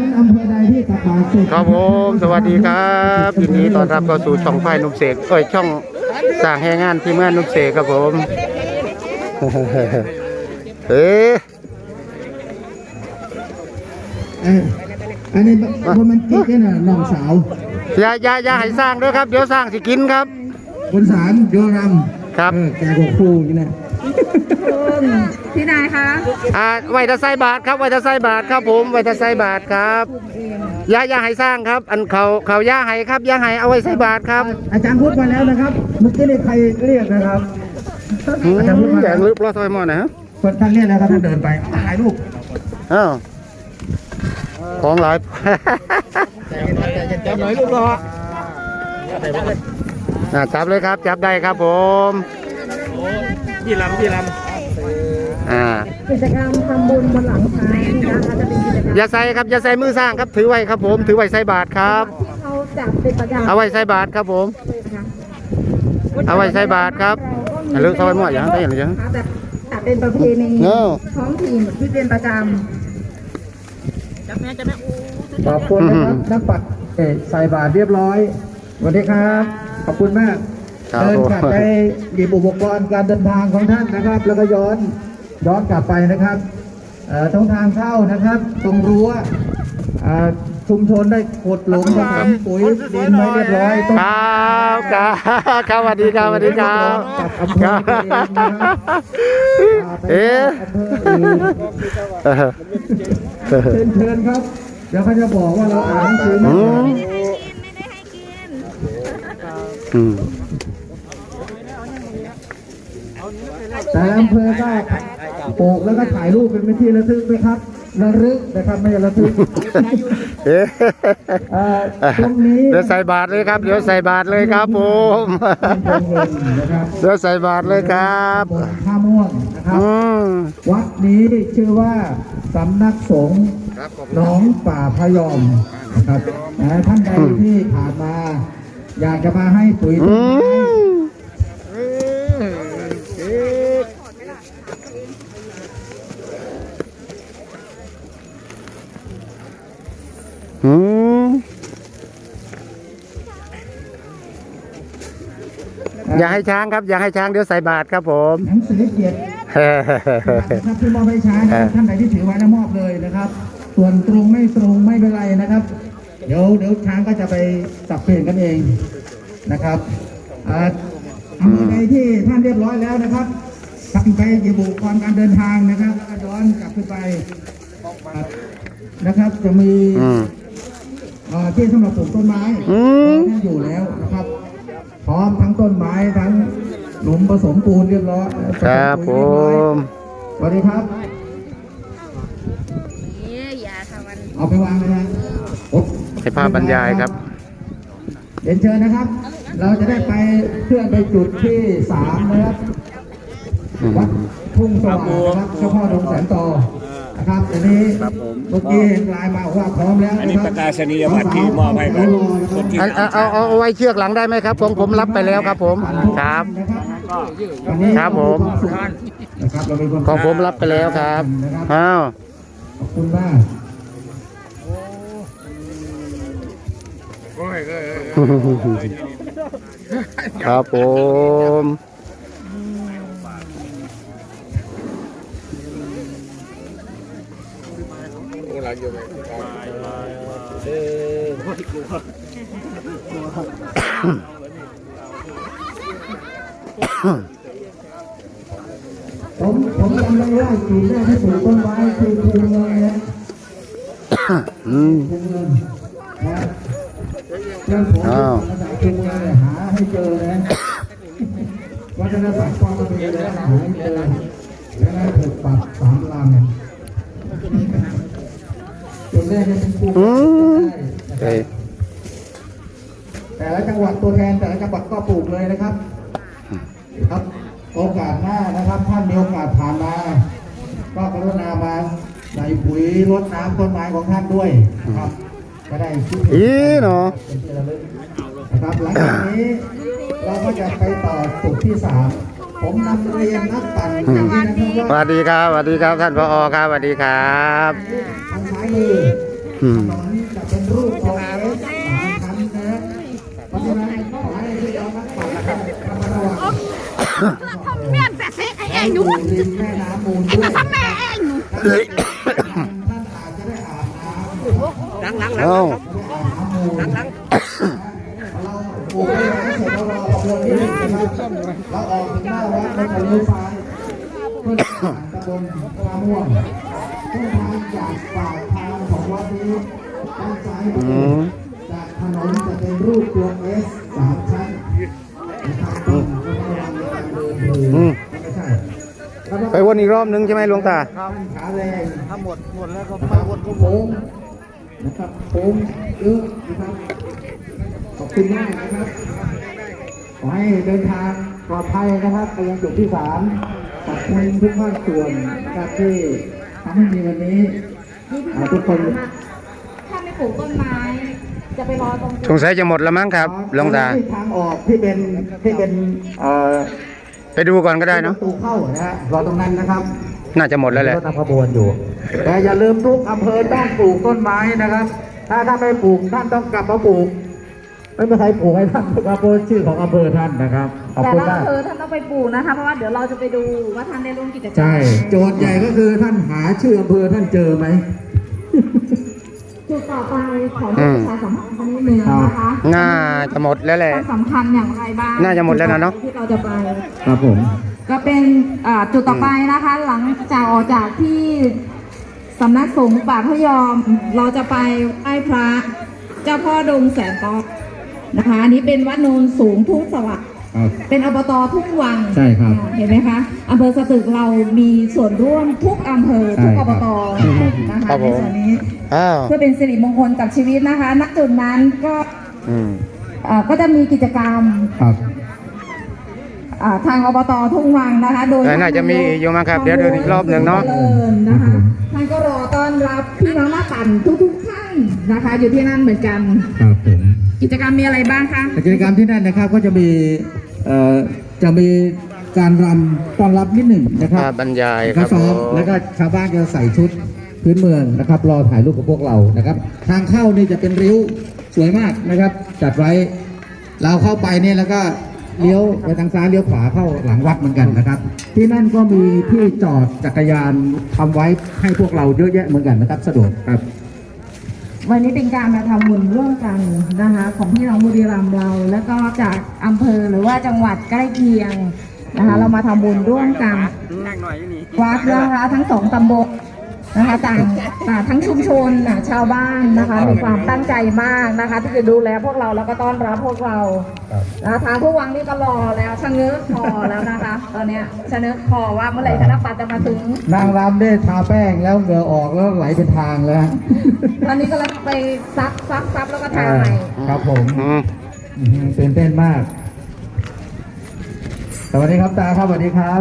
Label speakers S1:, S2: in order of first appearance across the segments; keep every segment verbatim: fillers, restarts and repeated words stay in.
S1: นั้นอำเภอใดที่ตักบาตรเสร็จ
S2: ครับผมสวัสดีครับยินดีต้อนรับเข้าสู่ช่องไฟนุ่มเสกเอ้ยช่องสร้างแห่งงานที่เมืองนุ่มเสกครับผมเอ๊ะ
S1: เอ้ยอันนี้โรแมนติกเนี่ยนะน้องสาว
S2: อย่าอย่าอย่าให้สร้างด้วยครับเดี๋ยวสร้างสิกินครับ
S1: คนสารโยรำ
S2: ครับ
S1: เออแกก็คู่นี่นะ
S3: พี่นายคะ
S2: อ่าไว้ตะไซบาทครับไว้ตะไซบาทครับผมไว้ตะไซบาทครับอย่าอย่าให้สร้างครับ อันเขาเขาย่าให้ครับย่าให้เอาไว้ใส่บาทครับ
S1: อาจารย์พูดมาแล้วนะครับเมื่อกี้นี่ใครเรียกนะครับ
S2: อืม
S1: อาจารย์พูดมา
S2: อ
S1: แล้
S2: ย่าว ลึกรอซอยหมอนะฮะ
S1: คนท่านเรียกแล้วครับท่านเดินไปเอาถ่ายรูป
S2: อ้าวของหลาย
S1: จับหน่อยรูปรอ
S2: อ่าจับเลยครับจับได้ครับผม
S4: พี่ลำพี่ล
S2: อ่า
S3: กิจกรรมทำบุญบนหลังช้างนะคะจะเป็นกิจกรรม
S2: อย่าใส่ครับอย่าใส่มือสร้างครับถือไว้ครับผมถือไว้ใส่บาทครับ
S3: ที่เขาจัดเป็นประจำ
S2: เอาไว้ใส่บาทครับผม
S3: เลยนะคะ
S2: เอาไว้ใส่บาทครับอ่ะเลือกซอยหมออย่างได้อย่างไรจัง
S3: แต่จัดเป็นประเพณี
S2: เนอะ
S3: ท้องถิ่นที่เป็นประจ
S1: ขอบคุณนะครับนักปัดเอ่อใส่บาตรเรียบร้อยสวัสดีครับขอบคุณมาก
S2: ครับ
S1: เดิน
S2: ผม
S1: กลับไปหยิบอุปกรณ์การเดินทางของท่านนะครับ แล้วก็ย้อนย้อนกลับไปนะครับเอ่อตรงทางเข้านะครับ ตรงรั้วอ่าชุมชนได้ขดหลุมผสมปุ๋ยดินไว้เรียบร้อยต้อง
S2: ครับครับครับสวัสดีครับสวัสดีครับ
S1: กับอำเภอตัวเองนะครับ
S2: เอ๊ะ
S1: อำเภออื่น เชิญเชิญครับ เดี๋ยวเขาจะบอกว่าเราอ่านหนังสือไม่
S2: อื
S1: ออก
S2: มอืม
S1: แต่อำเภอก็ปลูกแล้วก็ถ่ายรูปเป็นที่ระลึกนะครับระลึกนะครับไม่ใช่ระทึก
S2: เอ๊ะ
S1: เอ่อตรงนี้
S2: เดี๋ยวใส่บาทเลยครับเดี๋ยวใส่บาทเลยครับผม
S1: เป็นเงินนะครับ
S2: เดี๋ยวใส่บาทเลยครับ
S1: บนท่าม่วงนะครับ
S2: อืม
S1: วัดนี้ชื่อว่าสำนักสงฆ์หนองป่าพยอมนะครับนะท่านใดที่ผ่านมา อยากจะมาให้ปุ๋ยต้
S2: อื
S1: นไม้
S2: มอืมอย่าให้ช้างครับอย่าให้ช้างเดี๋ยวใส่บาทครับผม
S1: หนังสือเกียรตินะครับที่มอบให้ช้างนะครับท่านใดที่ถือไว้แล้วมอบเลยนะครับ ส่วนตรงไม่ตรงไม่เป็นไรนะครับ เดี๋ยวเดี๋ยวช้างก็จะไปสับเปลี่ยนกันเองนะครับอ่าอำเภอใดที่ท่านเรียบร้อยแล้วนะครับกลับไปหยิบอุปกรณ์การเดินทางนะครับแล้วก็ย้อนกลับขึ้นไปนะครับ จะมี
S2: อืม
S1: อ่าที่สำหรับปลูกต้นไม้
S2: อืม
S1: ท่านอยู่แล้วนะครับ พร้อมทั้งต้นไม้ทั้งหลุมผสมปูนเรียบร้อย
S2: ครับผม
S1: สวัสดีครับ
S3: ำนี่อย่าทำมัน
S1: เอาไปวางเลยนะโอ๊ะ
S2: ให้ภาพบรรยายครับ
S1: เรียนเชิญนะครับ เราจะได้ไปเพื่อไปจุดที่สามนะครับ
S2: อืม
S1: วัดทุ่งสว่างนะครับเจ้าพ่อดงแสนโตนะครับอันนี้เมื่อกี้เห็นไลน์มาบอกว่าพร้อมแล้ว
S4: ำอัน
S1: นะ
S4: นี้
S1: ค
S4: ป
S1: รับ
S4: ระกาศนียบัตรที่มอบให้กับคนที่
S2: เอาเอาเอาเอาไว้เชือกหลังได้ไหมครับผมผมรับไปแล้วครับผมครับ
S1: วันนี้
S2: ครับผม
S1: นะครับเราเป็นคน
S2: ของผมรับไปแล้วครับอ้าว
S1: ขอบคุณมาก
S2: ครับผม
S1: ผมผมจำได้ว่าจุดแรกที่ปลูกต้นไม้คือภูเงินนะ
S2: อืม
S1: ภูเงินนะเรื่องผม
S2: อ้าว
S1: ภาษาภูเงินเนี่ยหาให้เจอนะวัฒนศาสตร์ความเป็นอยู่แล้วหาให้เจอแล้วก็ถูกปรับสามลำจุดแรกเนี่ยเป็นปลูก
S2: อืม
S1: ได้
S2: เอ้ย
S1: แต่ละจังหวัดตัวแทนแต่ละจังหวัดก็ปลูกเลยนะครับครับโอกาสหน้านะครับท่านมีโอกาสผ่านมา ก็กรุณามาใส่ปุ๋ยรดน้ำต้นไม้ของท่านด้วยนะครับก็ได้คิดเห็น
S2: อีเนาะ
S1: เป็นที่ระลึกนะครับหลังจากนี้เราก็จะไปต่อจุดที่สามผมนำเรียนนักปั่นอย่างนี้นะครับ
S2: ส
S1: ว่า
S2: วัสดีครับสวัสดีครับท่านผอครับสวัสดีครับ
S1: ทางซ้ายมือ
S2: อืม
S1: ถนนจะเป็นรูปตัวเอสสามชั้นนะเพราะฉะนั้นขอให้พี่น้องนักปั่นนะครับระมัดระวัง
S3: ทำเมียนแต่เซ็กไอ้เองหนู
S1: ริมแม่น้ำมูลด้วย
S3: ทำแม่เองหนู
S2: เลย
S1: ท่านอาจจะได้อาบน้ำ
S4: หลังหลังหลัง
S2: เอ้า
S4: หลังหลัง
S1: เราปลูกไม่ได้เสร็จแล้วเราออกเดินนิดนึงนะครับเราออกถึงหน้าวัดเราจะเลี้ยวซ้ายเพื่อผ่านตำบลท่าม่วงเส้นทางจากปากทางของวัดนี้ด้านซ้ายมื
S2: อื
S1: อ
S2: ม
S1: จากถนนจะเป็นรูปตัวเอสสามชั้นนะครับต้องระวังในการเดินคือ
S2: อืม
S1: ไม่ใช่
S2: ไปวนอีกรอบนึงใช่ไหมหลวงตา
S1: ท่านขาแรง
S4: ถ้าหมดหมดแล้วก็
S1: นะครับโค้งนะครับโค้งเยอะนะครับขอบคุณมากนะครับขอให้เดินทางปลอดภัยนะครับไปยังจุดที่สามขอบคุณทุกภาคส่วนนะครับที่ทำให้มีวันนี้อ่าทุกคน
S3: ถ้าไม่ปลูกต้นไม้ จะไปรอตรง
S2: สงสัยจะหมดแล้วมั้งครับหลวงตา
S1: ทางออกที่เป็นที่เป็นเอ่อ
S2: ไปดูก่อนก็ได้เนาะ
S1: ประตูเข้านะฮะรอตรงนั้นนะครับ
S2: น่าจะหมดแล้วแหละ
S1: รถนำขบวนอยู่ แต่อย่าลืมทุกอำเภอต้องปลูกต้นไม้นะครับ ถ้าถ้าไม่ปลูกท่านต้องกลับมาปลูก ไม่มีใครปลูกให้ท่านนะครับเพราะชื่อของอำเภอท่านนะครับ ขอบ
S3: แต่
S1: คุณ
S3: ละ
S1: มาก
S3: อำเภอท่านต้องไปปลูกนะคะ เพราะว่าเดี๋ยวเราจะไปดูว่าท่านได้ร่วมกิจกรรม
S1: ใช่ โจทย์ใหญ่ก็คือท่านหาชื่ออำเภอท่านเจอไหม
S3: จุดต่อไปขอให้ประชาสัมพันธ์ครั้งนี้หนึ่งนะคะ
S2: น่าจะหมดแล้วแหละ
S3: ความสำคัญอย่างไรบ้าง
S2: น่าจะหมดแล้วนะเนอะ
S3: ที่เราจะไป
S1: ครับผม
S3: ก็เป็นอ่าจุดต่อไปนะคะ หลังจากออกจากที่สำนักสงฆ์ป่าพยอม เราจะไปไหว้พระเจ้าพ่อดงแสนตอนะคะอันนี้เป็นวัดโนนสูงทุ่งสวัสดิ์
S1: ครับ
S3: เป็นอบตทุ่งวัง
S1: ใช่ครับ
S3: เห็นไหมคะอำเภอสตึกเรามีส่วนร่วมทุกอำเภอทุก
S1: ใช่
S3: อ
S1: ครับ
S3: บตนะ
S2: ครั
S3: คะ
S2: บผม
S3: ในส่วนนี้
S2: อ้าว
S3: เพื่อเป็นสิริมงคลกับชีวิตนะคะณจุดนั้นก็
S2: อืม
S3: เอ่อก็จะมีกิจกรรม
S1: ครับ
S3: อ่าทางอบตทุ่งวังนะคะ โดย
S2: น่าจะมีอยู่มั้งครับเดี๋ยวเดินอีกรอบหนึ่งเนาะ
S3: เดินนะคะท่านก็รอต้อนรับพี่น้องนักปั่นทุกๆท่านนะคะ อยู่ที่นั่นเหมือนกัน
S1: ครับผม
S3: กิจกรรมมีอะไรบ้างคะ
S1: กิจกรรมที่นั่นนะครับก็จะมีเอ่อจะมีการรำต้อนรับนิดหนึ่งนะครับ
S2: ภาพบรรยายค
S1: ก็
S2: รับ
S1: ซ้อม
S2: ผม
S1: แล้วก็ชาวบ้านจะใส่ชุดพื้นเมืองนะครับ รอถ่ายรูปกับพวกเรานะครับ ทางเข้านี่จะเป็นริ้วสวยมากนะครับ จัดไว้เราเข้าไปเนี่ยแล้วก็เลี้ยวไปทางซ้ายเลี้ยวขวาเข้าหลังวัดเหมือนกันนะครับ ที่นั่นก็มีที่จอดจักรยานทำไว้ให้พวกเราเยอะแยะเหมือนกันนะครับ สะดวกครับ
S3: วันนี้เป็นการมาทำบุญร่วมกันนะคะ ของพี่น้องบุรีรัมย์เรา แล้วก็จากอำเภอหรือว่าจังหวัดใกล้เคียงนะคะ เรามาทำบุญร่วมกัน
S4: นั่งหน่อยนี่
S3: วัดนะคะทั้งสองตำบลนะคะต่างอ่าทั้งชุมชนน่ะชาวบ้านนะคะมีความตั้งใจมากนะคะ ที่จะดูแลพวกเราแล้วก็ต้อนรับพวกเรา
S1: ครับ
S3: นะคะทางผู้วังนี่ก็รอแล้วชะเง้อคอแล้วนะคะ ตอนเนี้ยชะเง้อคอว่าเมื่อไหร่ธนปัตย์จะมาถึง
S1: นางรำได้ทาแป้งแล้วเหงื่อออกแล้วไหลเป็นทางแล้วฮะ
S3: ตอนนี้ก็เลยไปซักซักซักแล้วก็ทาใหม่
S1: ครับผม
S2: อืม
S1: อื้อหือตื่นเต้นมาก สวัสดีครับตาครับสวัสดีครับ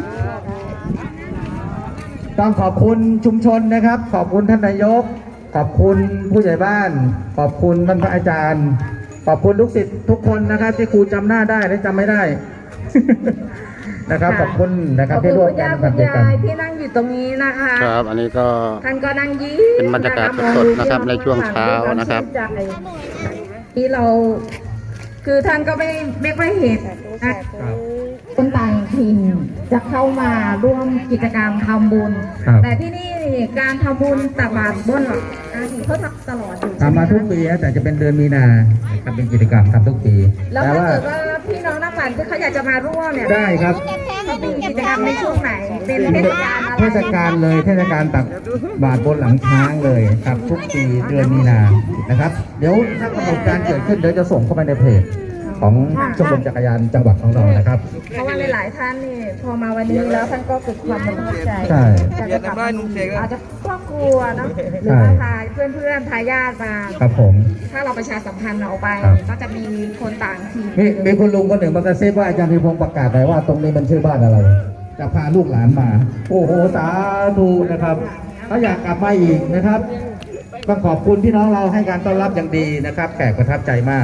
S1: ต้องขอบคุณชุมชนนะครับ ขอบคุณท่านนายก ขอบคุณผู้ใหญ่บ้าน ขอบคุณท่านพระอาจารย์ ขอบคุณลูกศิษย์ทุกคนนะครับ ที่ครูจำหน้าได้และจำไม่ได้ นะครับ ขอบคุณนะครับ
S3: ขอบ
S1: ที่
S3: คุณ
S1: ร่วม
S3: คุณ
S1: กัน
S3: ย่า
S1: กั
S3: คุ
S1: น
S3: ณ
S1: ด้วยกัน
S3: ยายที่นั่งอยู่ตรงนี้นะคะ
S2: ครับ อันนี้ก็
S3: ท่านก็นั่งยิ้ม
S2: เป็นบรรยากาศสดๆนะครับในช่วงเช้านะครับ
S3: ที่เราคือท่านก็ไม่ไม่ค่อยเห็นนะคนต่างถิ่นจะเข้ามาร่วมกิจกรรมทำบุญ
S1: ครับ
S3: แต่ที่นี่การทำบุญตักบาตรบนหลังอาทิเขาทำตลอดอยู่
S1: ทำมาทุกปีนะแต่จะเป็นเดือนมีนาทำเป็นกิจกรรมทำทุกปี
S3: แล้ว
S1: แต่
S3: ถ้า
S1: ว่า
S3: เกิดว่าพี่น้องนักปั่นที่เขาอยากจะมาร่วมเนี่ย
S1: ได้ครับ
S3: เขามีกิจกรรมในช่วงไหน เป็นเทศกาลอะไร
S1: เทศกาลเลยเทศกาลตักบาตรบนหลังช้างเลยครับทุกปีเดือนมีนานะครับ เดี๋ยวถ้ากำหนดการเกิดขึ้นเดี๋ยวจะส่งเข้าไปในเพจของชมรมจักรยานจังหวัดของเรานะครับ
S3: เพราะว่าหลายๆท่านนี่พอมาวันนี้แล้วท่านก็เกิดความประทับใจ
S1: ใช่
S3: อยากจะกลับมาอาจจะครอบครัวเนาะหรือว่าพาเพื่อนๆทายาทมา
S1: ครับผม
S3: ถ้าเราประชาสัมพันธ์ออกไป
S1: ครับ
S3: ก็จะมีคนต่างถิ่น
S1: มีมีคุณลุงคนหนึ่งมากระซิบว่าอาจารย์พิพงศ์ประกาศหน่อยว่าตรงนี้มันชื่อบ้านอะไร จะพาลูกหลานมา โอ้โหสาธุนะครับเขาอยากกลับมาอีกนะครับต้องขอบคุณพี่น้องเราให้การต้อนรับอย่างดีนะครับแขกประทับใจมาก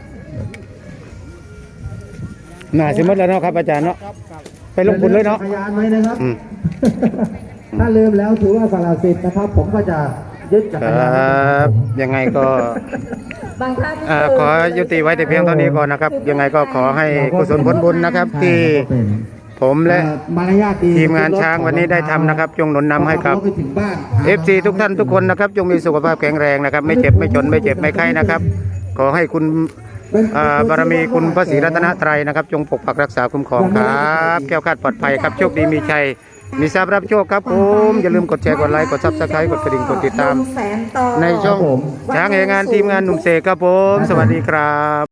S2: น่าสิหมดแล้วเนาะครับอาจารย์เนาะไปลงบุญเลยเนาะ
S1: จักรยานไว้นะครับ
S2: อืม
S1: ถ้าลืมแล้วถือว่าสละสิทธิ์นะครับ ผมก็จะยึดจัก
S2: ค
S1: ร
S2: ร
S1: ยานั
S2: บยังไงก็
S3: บางท่าน
S2: อ่าขอยุติไว้แต่เพียงเท่านี้ก่อนนะครับ ยังไงก็ขอให้กุศลผลบุญนะครับ ที่ผมและ
S1: เอ่อมารยาทดี
S2: ทีมงานช้างวันนี้ได้ทำนะครับจงหนุนนำให้กับ
S1: พอไปถึงบ้าน
S2: เอฟซีทุกท่านทุกคนนะครับจงมีสุขภาพแข็งแรงนะครับ ไม่เจ็บไม่จนไม่เจ็บไม่ไข้นะครับ ขอให้คุณอ่าบารมีคุณพระศรีรัตนตรัยนะครับ จงปกปักรักษาคุ้มครองครับแก้วคลาดปลอดภัยครับโชคดีมีชัยมีทรัพย์รับโชคครับผมอย่าลืมกดแชร์กดไลค์กดซับสไครต์กดกระดิ่งกดติดตาม
S3: แสนต่อ
S2: ในช่องช้างเองานทีมงานหนุ่มเสกครับผม สวัสดีครับ